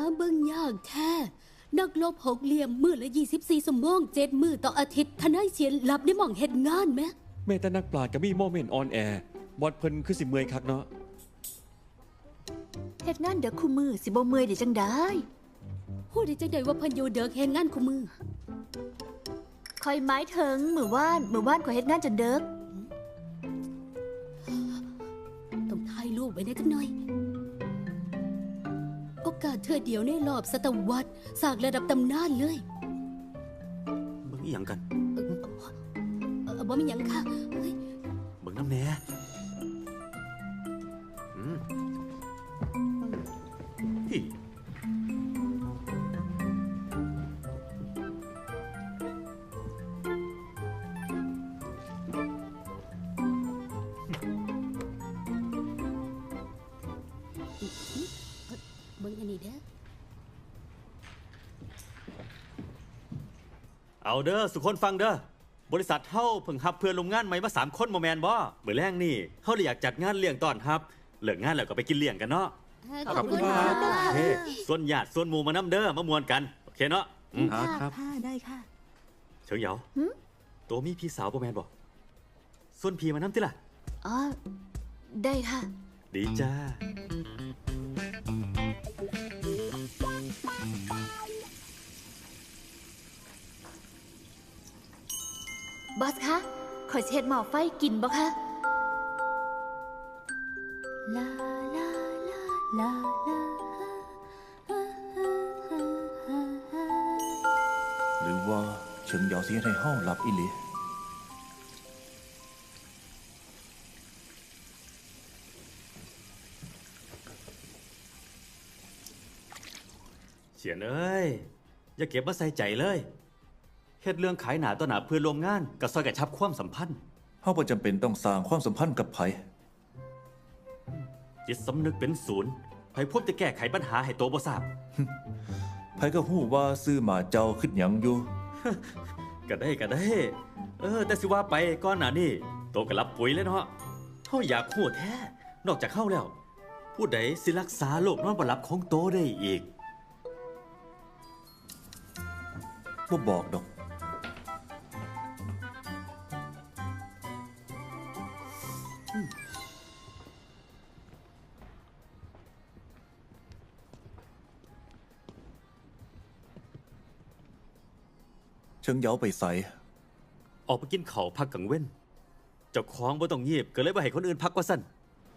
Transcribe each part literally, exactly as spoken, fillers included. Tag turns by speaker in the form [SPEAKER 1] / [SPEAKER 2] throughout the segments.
[SPEAKER 1] เบิ่งยากแท้นักลบหกเหลี่ยมมือละยี่สิบสี่ชั่วโมงเจ็ดมือต่ออาทิตย์ทนายเสียนหลับได้หม่องเฮ็ดงานไหม
[SPEAKER 2] แม่แต่นักปราชญ์ก็มีโมเมนต์ออนแอร์บอดเพิ่นคือสิเมื่อยคักเนาะ
[SPEAKER 3] เฮ็ดงานเด็กคู่มือสิบ่เมื่อยได้จังได้
[SPEAKER 1] ฮู้ได้จังได๋ว่าเพิ่นอยู่เด็กเฮ็ดงานคู่มือ
[SPEAKER 3] คอยหมายถึงมื้อวานมื้อวานข่อยเฮ็ดงานจนเด็ก
[SPEAKER 1] ต้องถ่ายรูปไว้ได้จักหน่อยโอกาสเทื่อเดียวในรอบศตวรรษสร้างระดับตำนานเลย
[SPEAKER 4] เบิ่งอีหยังกัน
[SPEAKER 1] เออเออบ่มีหยังค่ะเฮ้ย
[SPEAKER 4] เบิ่งน้ำแหน่อืมพี่
[SPEAKER 1] เบิ่งอันนี้เด้อ
[SPEAKER 4] เอาเด้อสุคนฟังเด้อบริษัทเฮาเพิ่งรับเพื่อนลงงานใหม่มาสามคนบ่แม่นบ่มื้อแรงนี่เฮาเลยอยากจัดงานเลี้ยงต้อนรับเลิกงานแล้วก็ไปกินเลี้ยงกันเนาะ
[SPEAKER 1] ขอบคุณค่ะ
[SPEAKER 4] โอเคส่วนญาติส่วนหมู่มานำเด้อมามวนกันโอเคเนาะอืม
[SPEAKER 3] ครับได้ค่ะ
[SPEAKER 4] เฉิงเหยาตัวมีพี่สาวบ่แม่นบ่ส่วนพี่มานำติล่ะ
[SPEAKER 3] อ๋อได้ค่ะ
[SPEAKER 4] ดีจ้า
[SPEAKER 3] บอสคะขอเช็ดหม้อไฟกินบ่คะลาลาลาลาลา
[SPEAKER 5] หรือว่าเฉิงเหยาสิให้เฮาหลับอีหลี
[SPEAKER 4] เฉียนเอ้ยอย่าเก็บมาใส่ใจเลยเฮ็ดเรื่องขายหนาต่อหนาเพื่อนร่วมงานกับซอยกระชับความสัมพันธ์
[SPEAKER 5] เฮาบ่จำเป็นต้องสร้างความสัมพันธ์กับไผ
[SPEAKER 4] จิตสำนึกเป็นศูนย์ไผพบจะแก้ไขปัญหาให้โตบ่ทราบ
[SPEAKER 5] ไผก็ฮู้ว่าซื้อหมาเจ้าคิดหยังอยู่
[SPEAKER 4] ก็ได้ก็ได้เออแต่สิว่าไปก่อนหน้านี้โตก็รับปุ๋ยแล้วเนาะเฮาอยากฮู้แท้นอกจากเฮาแล้วผู้ใดสิรักษาโรคนอนบ่หลับของโตได้อีก
[SPEAKER 5] บ่บอกดอกเชิงเหยาไปใส่
[SPEAKER 4] ออกไปกินข้าวพักกลางเว้นเจ้าของบ่ต้องเงียบก็เลยบ่ให้คนอื่นพักว่าซั่น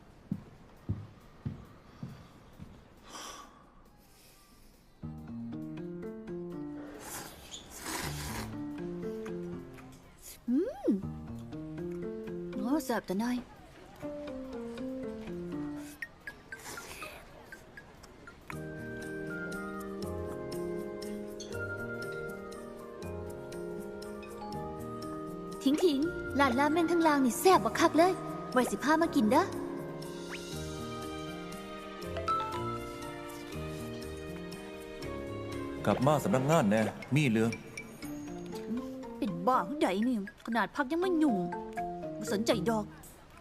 [SPEAKER 3] อืมโอ้แซ่บแต่น้อยทิ้งทิ้งหลานราเม่นทั้งลางนี่แซ่บบักคักเลยไว้สิพามากินเด้
[SPEAKER 5] อกลับมาสำนักงานแน่มีเรื่อง
[SPEAKER 3] เป็นบ้าผู้ใดนี่ขนาดพักยังไม่หยุ่งไม่สนใจดอก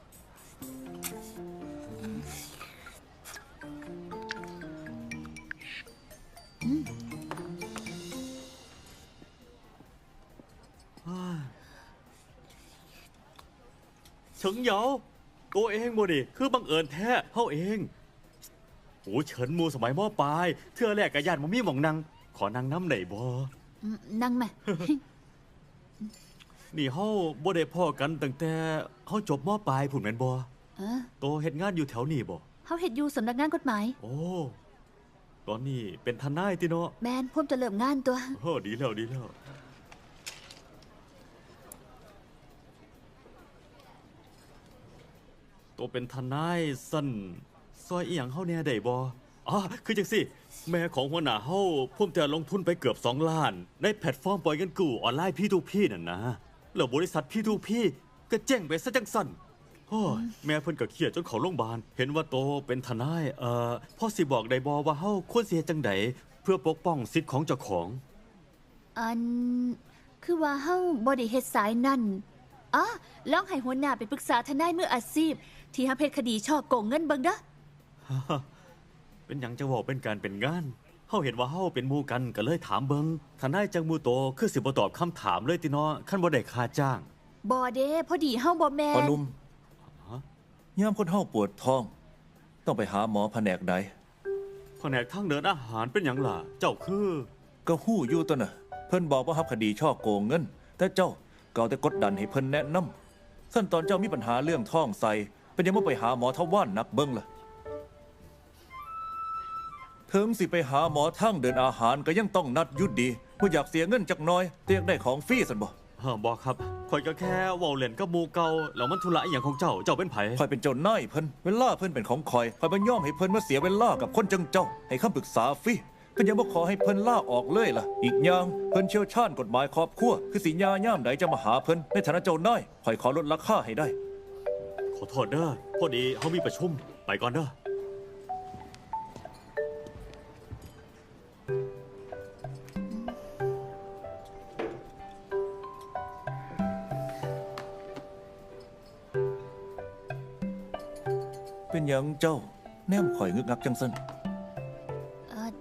[SPEAKER 4] เฉิงเหยาตัวเองบ่ดิคือบังเอิญแท้เฮาเองโอ้เฉินหมู่สมัยม.ปลายเทื่อแรกกะย่านบ่มีหม่องนั่งขอนั่งน้ำได้บ่
[SPEAKER 3] นั่งแม่
[SPEAKER 4] นี่เฮาบ่ได้พ้อกันตั้งแต่เฮาจบม.ปลายพุ่นแม่นบ่
[SPEAKER 3] เออ
[SPEAKER 4] โตเฮ็ดงานอยู่แถวนี้บ่
[SPEAKER 3] เฮาเฮ็ดอยู่สำนักงานกฎหมาย
[SPEAKER 4] โอ้ตอนนี้เป็นทนายติเนาะ
[SPEAKER 3] แม่นผมจะเริ่มงานตัว
[SPEAKER 4] โอ้ดีแล้วดีแล้วตัวเป็นทนายสั้นซอยอีหยังเฮาแน่ได้บ่อ๋อคือจังซี่แม่ของหัวหน้าเฮาพุ่มแต่ลงทุนไปเกือบสองล้านในแพลตฟอร์มปล่อยเงินกู้ออนไลน์ พี ทู พี นั่นนะแล้วบริษัท พี ทู พี ก็เจ๊งไปซะจังสั่นโอ้ยแม่เพิ่นก็เครียดจนเข้าโรงพยาบาลเห็นว่าโตเป็นทนายเอ่อพ่อสิบอกได้บ่ว่าเฮาควรสิเฮ็ดจังไดเพื่อปกป้องสิทธิ์ของเจ้าของ
[SPEAKER 3] อันคือว่าเฮาบ่ได้เฮ็ดสายนั่นอ๋อลองให้หัวหน้าไปปรึกษาทนายมืออาชีพที่ทำเพชรคดีช่อโกงเงินเบิ่งเด้อ
[SPEAKER 4] เป็นหยังจะบอกเป็นการเป็นงานเฮาเห็นว่าเฮาเป็นหมู่กันก็เลยถามเบิงทนายจังหมู่โตคือสิบ่ตอบคำถามเลยติเนาะคันบ่ได้ค่าจ้าง
[SPEAKER 3] บอเด้พอดีเฮาบ่แม่
[SPEAKER 5] พอน หนุ่มยามคนเฮาปวดท้อง ต้องไปหาหมอแผนกใด
[SPEAKER 4] แผนกทางเดินอาหารเป็นหยังล่ะ เจ้าคือ
[SPEAKER 5] ก็ฮู้อยู่ตัวน่ะ เพิ่นบอกว่ารับคดีช่อโกงเงิน แต่เจ้าก็เอาแต่กดดันให้เพิ่นแนะนำขั้นตอนเจ้ามีปัญหาเรื่องท้องใส่เป็นยังบ่ไปหาหมอทว่านนักเบิ่งล่ะถึงสิไปหาหมอทางเดินอาหารก็ยังต้องนัดอยุดดีบ่อยากเสียเงินจักหน้อยแต่อยากได้ของฟรีซั่นบ่
[SPEAKER 4] เฮาบอกครับข่อยก็แค่เว้าเล่นกับหมู่เก่าแล้วมันธุระอหย่างของเจ้า เจ้าเป็นไผ
[SPEAKER 5] ข่อยเป็นเจ้านายเพิ่นเวลาเพิ่นเป็นของข่อยข่อยบ่ยอมให้เพิ่นมาเสียเวลากับคนจังเจ้า ให้คำปรึกษาฟรีก็ยังบ่ขอให้เพิ่นลาออกเลยล่ะ อีกอย่างเพิ่นเชี่ยวชาญกฎหมายครอบครัวคือสิยาย่ามใดจะมาหาเพิ่นในฐานะเจ้านายข่อยขอลดราคาให้ได้
[SPEAKER 4] ขอโทษเด้อพอดีเฮามีประชุมไปก่อนเด้อ
[SPEAKER 5] เป็นหยังเจ้าแนมข่อยงึกงักจังซั่น
[SPEAKER 3] เอ่อ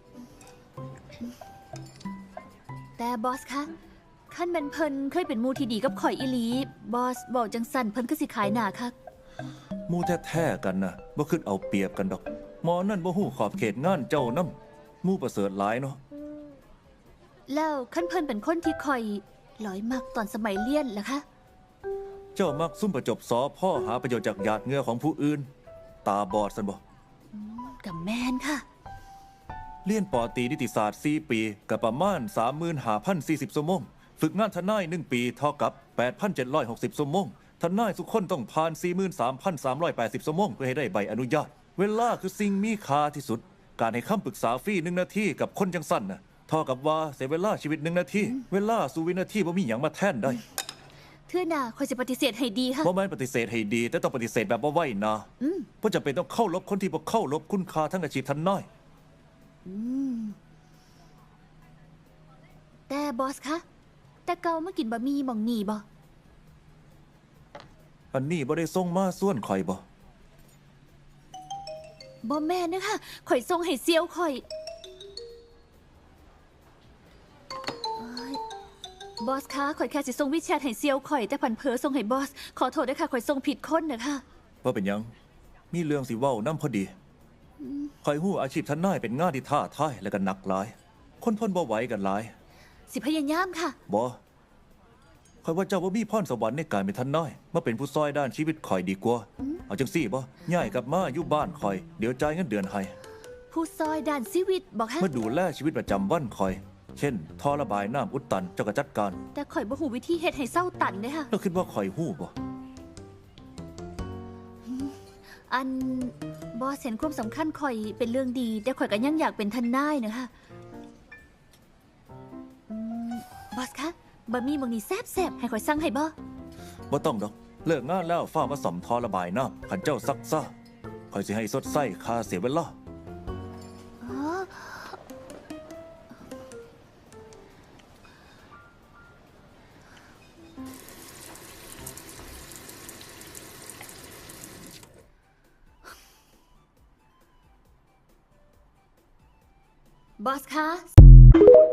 [SPEAKER 3] แต่บอสคะขั้นแมันเพิ่นเคยเป็นหมูที่ดีกับข่อยอีหลี บอสบอกจังสันเพิ่นก็สิขายหนาคัก
[SPEAKER 5] หมู่แท้ๆกันน่ะบ่คิดเอาเปรียบกันดอกหมอนั่นบ่ฮู้ขอบเขตงานเจ้านำหมู่ประเสริฐหลายเนาะ
[SPEAKER 3] แล้วขั้นเพิ่นเป็นคนที่ข่อยหลอยมักตอนสมัยเรียนล่ะคะ
[SPEAKER 5] เจ้ามักซุ่มประจบสอพ่อหาประโยชน์จากหยาดเหงื่อของผู้อื่น ตาบอดซั่นบ่
[SPEAKER 3] กับแมนค่ะ
[SPEAKER 5] เรียนปอตรีนิติศาสตร์สี่ปีกับประมาณ สามหมื่นห้าพันสี่สิบ ชั่วโมงฝึกงานทนายหนึ่งปีเท่ากับ แปดพันเจ็ดร้อยหกสิบ ชั่วโมงทนายทุกคนต้องผ่าน สี่หมื่นสามพันสามร้อยแปดสิบ ชั่วโมงเพื่อให้ได้ใบอนุญาต เวลาคือสิ่งมีค่าที่สุด การให้คำปรึกษาฟรีหนึ่งนาทีกับคนจังสั้นน่ะเท่ากับว่าเสียเวลาชีวิตหนึ่งนาทีเวลาสู่วินาทีบ่มีหยังมาแทนได้
[SPEAKER 3] เทื่อหน้าข่อยจะปฏิเสธให้ดีค่ะ
[SPEAKER 5] บ่แม่นปฏิเสธให้ดี แต่ต้องปฏิเสธแบบบ่ไว้นะเพราะจำเป็นต้องเข้ารบคนที่บ่เข้ารบคุณค่าทั้งอาชีพทนาย
[SPEAKER 3] แต่บอสคะแต่เก่ามากินบะหมี่หม่องนี่บ่
[SPEAKER 5] อันนี้บ่ได้ส่งมาส่วนข่อยบ่
[SPEAKER 3] บ่แม่นนะคะข่อยส่งให้เซียวข่อยเอ้ยบอสคะข่อยแค่สิส่งวิแชทให้เซียวข่อยแต่ผันเพอส่งให้บอส ขอโทษด้วยค่ะข่อยส่งผิดคนนะคะ
[SPEAKER 5] ว่าเป็นหยัง มีเรื่องสิเว้านํพอดีข่อยฮู้อาชีพทนายเป็นงานที่ท้าทายและก็หนักหลาย คนทนบ่ไหวกันหลาย
[SPEAKER 3] สิพยายามค่ะ
[SPEAKER 5] บ่ข่อยว่าเจ้าบ่มีพรสวรรค์ในการเป็นทนายมาเป็นผู้ซอยด้านชีวิตข่อยดีกว่า เอาจังซี่บ่ย้ายกลับมาอยู่บ้านข่อย เดี๋ยวจ่ายเงินเดือนให้
[SPEAKER 3] ผู้ซอยด้านชีวิตบอกฮะ
[SPEAKER 5] มาดูแลชีวิตประจำวันข่อย เช่นท่อระบายน้ำอุดตันเจ้าก็จัดการ
[SPEAKER 3] แต่ข่อยบ่หูวิธีเฮ็ดให้เศร้าตันเด้อค่ะ
[SPEAKER 5] แล้วคิดว่าข่อยฮู้บ่
[SPEAKER 3] อันบอสเห็นความสำคัญข่อยเป็นเรื่องดี แต่ข่อยก็ยังอยากเป็นทนายนะคะอืมบอสคะบะหมี่หมองนี้แซ่บๆให้ข่อยสั่งให้บ่
[SPEAKER 5] บ่ต้องดอก เลิกงานแล้วฟ้ามาซ่อมท่อระบายน้ำคันเจ้าซักซ่าข่อยสิให้สดใสค่าเสียเวลา
[SPEAKER 3] อ๋อ บอสคะ